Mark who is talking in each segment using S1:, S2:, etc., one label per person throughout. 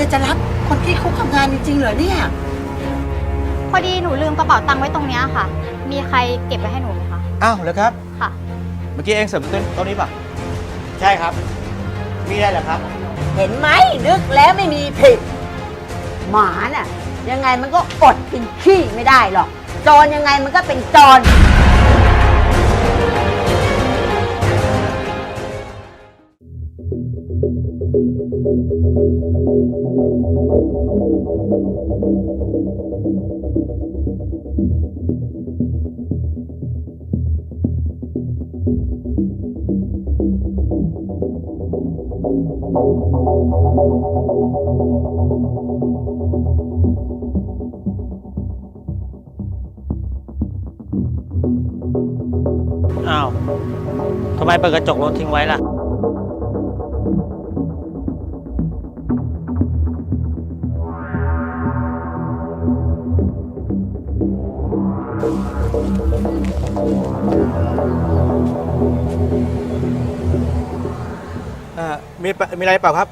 S1: ฮียจะรับคนที่คุกทำงานจริงๆเหรอเนี่ย
S2: พอดีหนูลืมกระเป๋าตังค์ไว้ตรงนี้ค่ะมีใครเก็บไว้ให้หนูไหมคะ
S3: อ้าวเหรอครับ
S2: ค่ะ
S3: เมื่อกี้เองเสริมโต๊ะนี้ป่ะใช่ครับมีได้เหรอครับ
S1: เห็นไหมนึกแล้วไม่มีผิดหมาน่ะยังไงมันก็อดกินขี้ไม่ได้หรอกจรยังไงมันก็เป็นจร
S4: อ้าวทำไมเปิดกระจกรถทิ้งไว้ล่ะ
S3: มีอะไรเปล่าครับ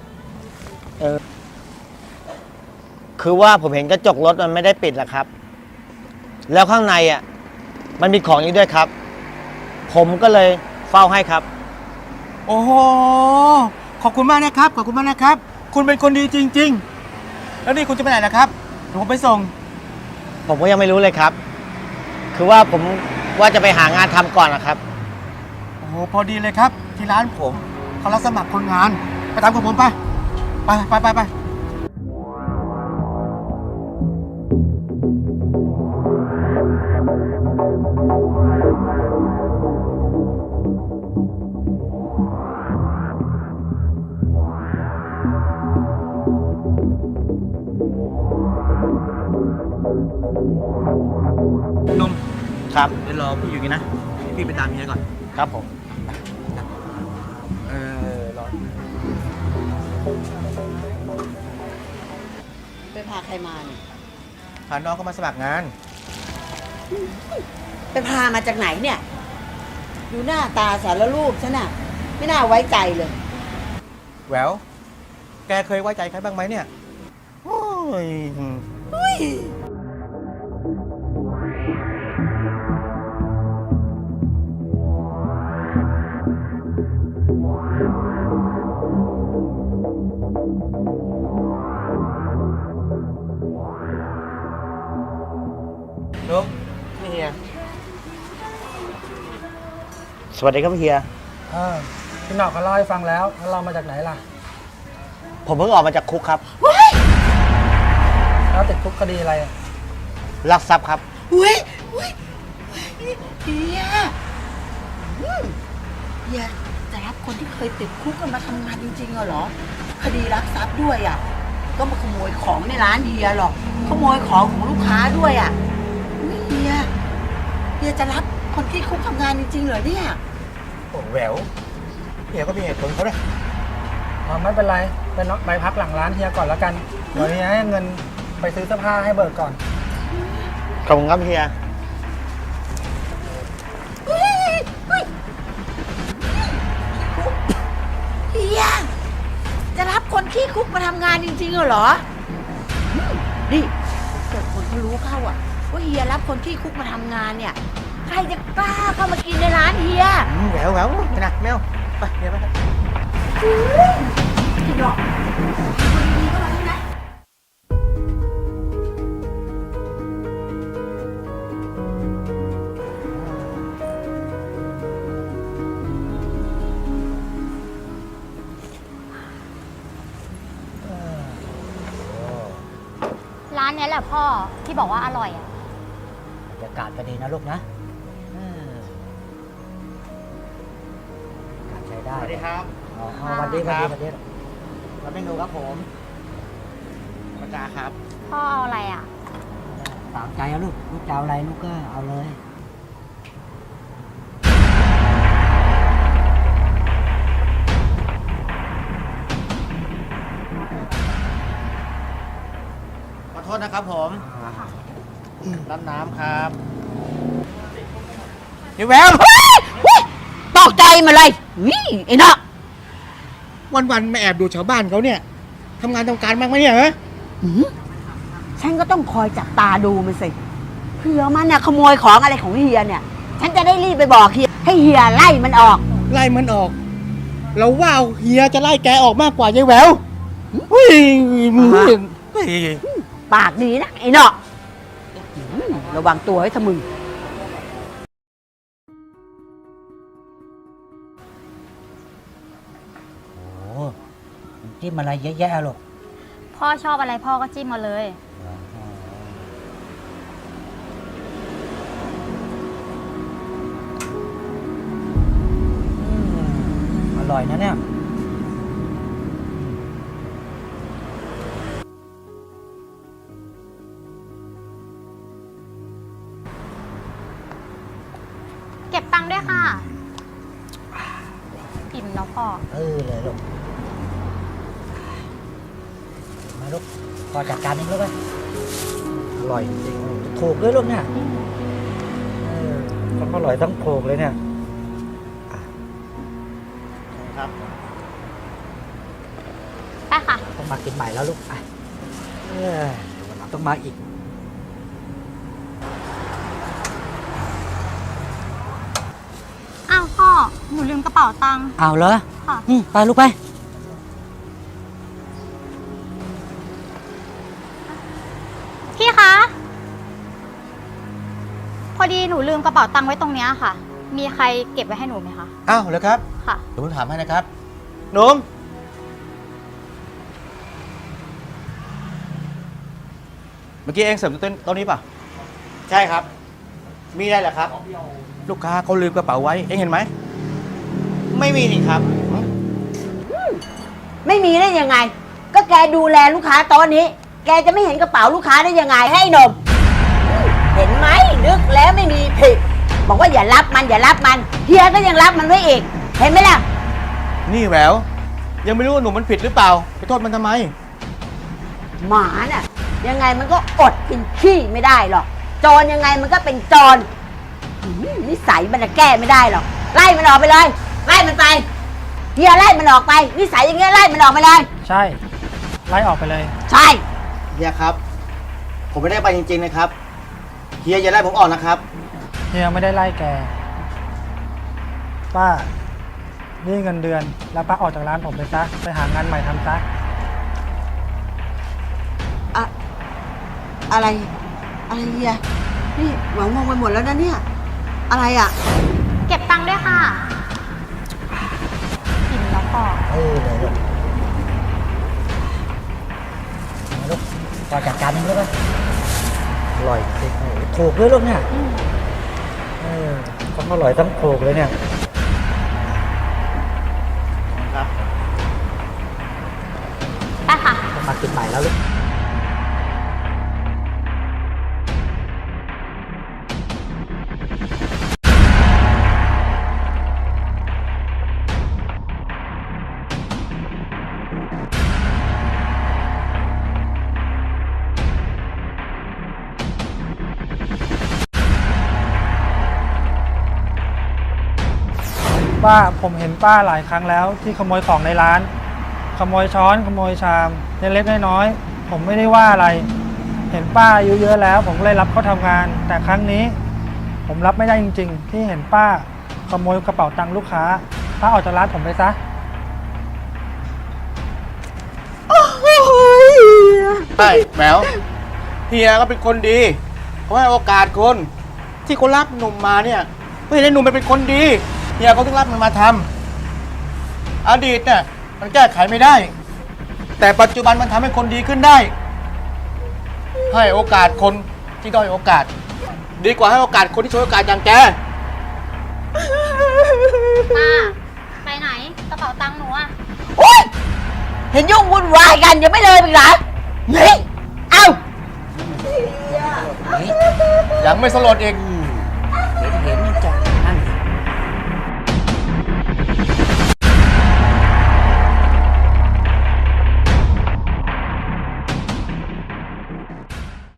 S4: คือว่าผมเห็นกระจกรถมันไม่ได้ปิดแล้วครับ แล้วข้างในอ่ะมันมีของอีกด้วยครับผมก็เลยเฝ้าให้ครับ
S3: โอ้โหขอบคุณมากนะครับขอบคุณมากนะครับคุณเป็นคนดีจริงๆแล้วนี่คุณจะไปไหนนะครับเดี๋ยวผมไปส่ง
S4: ผมก็ยังไม่รู้เลยครับคือว่าผมว่าจะไปหางานทำก่อนนะครับ
S3: โอ้โหพอดีเลยครับที่ร้านผมเขารับสมัครคนงานไปตามกับผมไปนม
S4: ครับ
S3: เดี๋ยวรอพี่อยู่กันนะพี่ไปตามเมียก่อน
S4: ครับผม
S3: รอ
S1: ไปพาใครมาเนี่ย
S3: พาน้องเขามาสมัครงาน
S1: ไปพามาจากไหนเนี่ยดูหน้าตาสารรูปฉันน่ะไม่น่าไว้ใจเลย
S3: แหววแกเคยไว้ใจใครบ้างไหมเนี่ยโอ้ยนุ๊กนี่เฮีย
S4: สวัสดีครับเฮีย
S5: พี่หนอกเขาเล่าให้ฟังแล้วเรามาจากไหนล่ะ
S4: ผมเพิ่งออกมาจากคุกครับ
S5: แล้วติดคุกคดีอะไร
S4: ลักทรัพย์ครับ
S1: อุ้ยเฮียจะรับคนที่เคยติดคุกกันมาทำงานจริงๆเหรอคดีลักทรัพย์ด้วยอ่ะก็มาขโมยของในร้านเฮียหรอกขโมยของของลูกค้าด้วยอ่ะเฮียจะรับคนที่คุกทำงานจริงๆเหรอเนี่ย
S3: โอ้แหววเฮียก็มีเหตุผลเขาด้วย
S5: ไม่เป็นไรไปพักหลังร้านเฮียก่อนแล้วกันเดี๋ยวเฮียให้เงินไปซื้อเสื้อผ้าให้เบิกก่อน
S4: ขอบคุณครับเฮีย
S1: เฮียจะรับคนขี้คุกมาทำงานจริงๆเหรอนี่เกิดคนเขารู้เข้าอ่ะว่าเฮียรับคนขี้คุกมาทำงานเนี่ยใครจะกล้าเข้ามากินในร้านเฮีย
S3: แหววไปนะแมวไปเฮียไป
S1: พี่ดอกดีๆก็มาแล้วนะ
S2: ร้านนี้แหละพ่อที่บอกว่าอร่อยอ่ะ
S1: บรรยากาศก็ดีนะลูกนะใช้ได้
S4: สวัสดีครับ
S1: สวัสดีครับ
S4: รับเมนูครับผมปากกาครับ
S2: พ่อเอาอะไรอ่ะ
S1: ตามใจเอาลูกจะเอาอะไรลูกก็เอาเลย
S4: โทษนะครับผมรับน้ำครับ
S3: นี่แวว
S1: ตกใจมาเลยนี่ไอ้เนาะ
S3: วันๆมาแอบดูชาวบ้านเขาเนี่ยททำงานทำการบ้างไหมเนี่ยฮะ
S1: หืมฉันก็ต้องคอยจับตาดูมันสิเผื่อมันเนี่ยขโมยของอะไรของเฮียเนี่ย ฉันจะได้รีบไปบอกเฮียให้เฮียไล่มันออก
S3: ไล่มันออก เราว่าเฮียจะไล่แกออกมากกว่ายายแหววเฮ้ยเฮ้ย
S1: ปากดีนะไอ้เนาะระวังตัวให้ทะมึง
S6: โอ้จิ้มอะไรเยอะแยะหรอก
S2: พ่อชอบอะไรพ่อก็จิ้มมาเลย
S6: อร่อยนะเนี่ย
S2: เก็บตังค์ด้วยค่ะอิ่มแล้วพ่อ
S6: เลยลูก มาลูกพอจัดการเองลูกไปอร่อยจริงๆถูกด้วยลูกเนี่ยต้องอร่อยต้องถูกเลยเนี่ย
S4: ครับ
S2: ไปค่ะ
S6: ต้องมากินใหม่แล้วลูกอ่ะวันหลังต้องมาอีก
S2: อ้าวพ่อ หนูลืมกระเป๋าตังค์
S6: เอาเหรอ
S2: ค่ะ
S6: ไปลูกไป
S2: พี่คะ พอดีหนูลืมกระเป๋าตังค์ไว้ตรงเนี้ยค่ะ มีใครเก็บไว้ให้หนูไหมคะ
S3: อ้าวเหรอครับ
S2: ค่ะ
S3: เดี๋ยวผมถามให้นะครับหนุ่มเมื่อกี้เองเสริมต้นนี้ป่ะ
S4: ใช่ครับ มีอะไรเหรอครับ
S3: ลูกค้าเขาลืมกระเป๋าไว้ เองเห็นไหม
S4: ไม่มีนี่ครับ
S1: ไม่มีได้ยังไง ก็แกดูแลลูกค้าโต๊ะนี้ แกจะไม่เห็นกระเป๋าลูกค้าได้ยังไงให้นม เห็นไหมนึกแล้วไม่มีผิดบอกว่าอย่ารับมันอย่ารับมันเฮียก็ยังรับมันไว้อีก เห็นไหมล่ะ
S3: นี่แหวว ยังไม่รู้ว่าหนุ่มมันผิดหรือเปล่า ไปโทษมันทำไม
S1: หมาน่ะ ยังไงมันก็อดกินขี้ไม่ได้หรอกโจรยังไงมันก็เป็นโจรนิสัยมันจะแก้ไม่ได้หรอกไล่มันออกไปเลยไล่มันไปเฮียไล่มันออกไปนิสัยอย่างเงี้ยไล่มันออกไปเลย
S5: ใช่ ไล่ออกไปเลย
S1: ใช่
S4: เฮียครับ ผมไม่ได้ไปจริงๆนะครับ เฮียอย่าไล่ผมออกนะครับ
S5: เฮียไม่ได้ไล่แก ป้า นี่เงินเดือน แล้วป้าออกจากร้านผมไปซะ ไปหางานใหม่ทำซะ
S1: อะไรอะไรเฮียนี่หวังมองไปหมดแล้วนะเนี่ยอะไรอ่ะ
S2: เก็บตังค์ด้วยค่ะอิ่มแล้วพ่อ
S6: เลยลูกมาลูกพอจัดการเองลูกไปอร่อยจริงๆถูกด้วยลูกเนี่ยต้องอร่อยต้องถูกเลยเนี่ย
S4: ครับ
S2: ไปค่ะ
S6: ต้องมากินใหม่แล้วลูก
S5: ป้าผมเห็นป้าหลายครั้งแล้วที่ขโมยของในร้าน ขโมยช้อนขโมยชามเล็กๆน้อยๆผมไม่ได้ว่าอะไร เห็นป้าอายุเยอะแล้ว ผมก็เลยรับเขาทำงาน แต่ครั้งนี้ ผมรับไม่ได้จริงๆ ที่เห็นป้าขโมยกระเป๋าตังค์ลูกค้าป้าออกจากร้านผมไปซะ
S3: ใช่แหววเฮียก็เป็นคนดีเขาให้โอกาสคน ที่เขารับหนุ่มมาเนี่ยเพื่อให้หนุ่มมันเป็นคนดีเฮียเขาต้องรับมันมาทำอดีตเนี่ยมันแก้ไขไม่ได้ แต่ปัจจุบันมันทำให้คนดีขึ้นได้ ให้โอกาสคนที่ด้อยโอกาส ดีกว่าให้โอกาสคนที่ช่วยโอกาสอย่างแก
S2: ป้า ไปไหน กระเป๋าตังค์หนูอะ
S1: โอ๊ยเห็นยุ่งวุ่นวายกันยังไม่เลยอีกเหรอเฮ้ยเอ้า
S3: ยังไม่สลดอีก
S6: เห็น